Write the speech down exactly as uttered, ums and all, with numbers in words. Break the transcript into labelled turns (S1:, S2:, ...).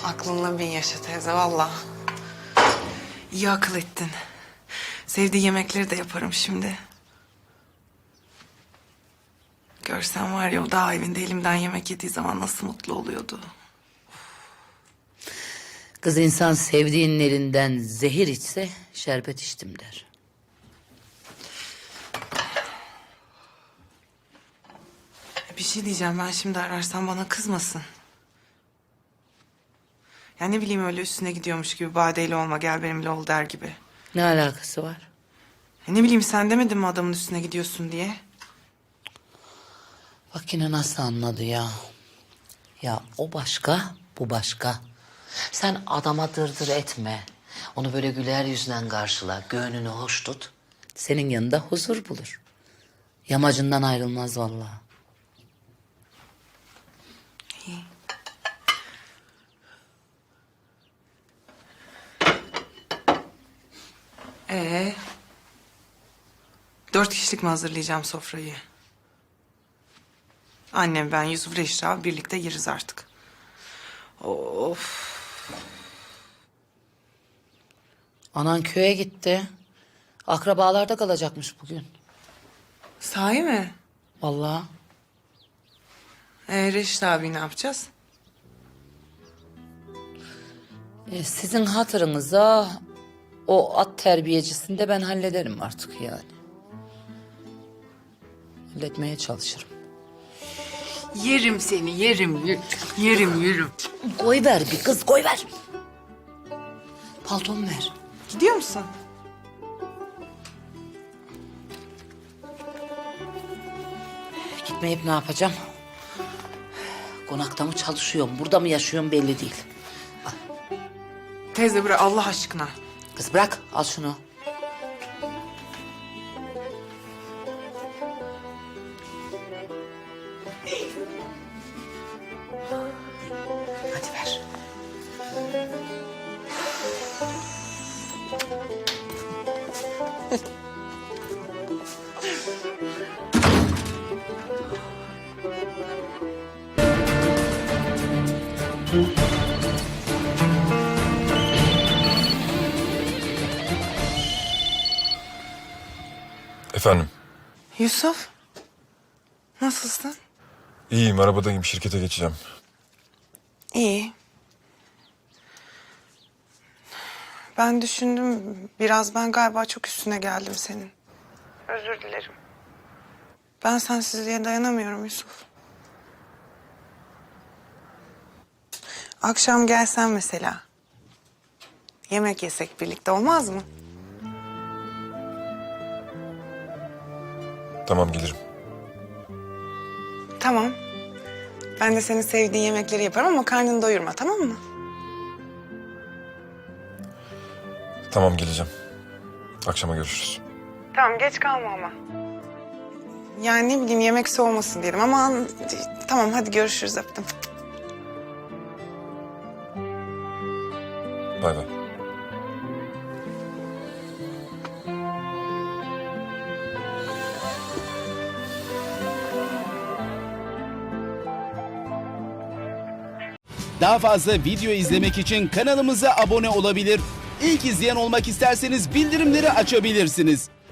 S1: Aklınla bin yaşa teyze valla. İyi akıl ettin. Sevdiği yemekleri de yaparım şimdi. Görsen var ya o dağ evinde elimden yemek yediği zaman nasıl mutlu oluyordu.
S2: Kız insan sevdiğinin elinden zehir içse şerbet içtim der.
S1: Bir şey diyeceğim, ben şimdi ararsam bana kızmasın. Ya ne bileyim, öyle üstüne gidiyormuş gibi badeyle olma gel benimle ol der gibi.
S2: Ne alakası var?
S1: Ya ne bileyim, sen demedin mi adamın üstüne gidiyorsun diye?
S2: Bak yine nasıl anladı ya. Ya o başka, bu başka. Sen adama dırdır etme. Onu böyle güler yüzünden karşıla, gönlünü hoş tut. Senin yanında huzur bulur. Yamacından ayrılmaz vallahi.
S1: İyi. Ee, dört kişilik mi hazırlayacağım sofrayı? Annem, ben, Yusuf, Reşra birlikte yeriz artık. Of.
S2: Anan köye gitti. Akrabalarda kalacakmış bugün.
S1: Sahi mi?
S2: Vallahi.
S1: Ee, Reşit abi ne yapacağız?
S2: E, sizin hatırınıza o at terbiyecisini de ben hallederim artık yani. Halletmeye çalışırım.
S1: Yerim seni, yerim, yerim, yerim, yerim.
S2: Koy ver bir kız, koy ver. Paltomu ver.
S1: Gidiyor musun?
S2: Gitmeyip ne yapacağım? Konakta mı çalışıyorum, burada mı yaşıyorum belli değil.
S1: Teyze bırak Allah aşkına.
S2: Kız bırak, al şunu.
S1: Hadi ver.
S3: Efendim?
S1: Yusuf, nasılsın?
S3: İyiyim, arabadayım. Şirkete geçeceğim.
S1: İyi. Ben düşündüm, biraz ben galiba çok üstüne geldim senin. Özür dilerim. Ben sensizliğe dayanamıyorum Yusuf. Akşam gelsen mesela. Yemek yesek birlikte olmaz mı?
S3: Tamam, gelirim.
S1: Tamam. Ben de senin sevdiğin yemekleri yaparım ama karnını doyurma, tamam mı?
S3: Tamam, geleceğim. Akşama görüşürüz.
S1: Tamam, geç kalma ama. Yani ne bileyim, yemek soğumasın diyelim ama... Tamam, hadi görüşürüz, öptüm.
S3: Bay bay.
S4: Daha fazla video izlemek için kanalımıza abone olabilir. İlk izleyen olmak isterseniz bildirimleri açabilirsiniz.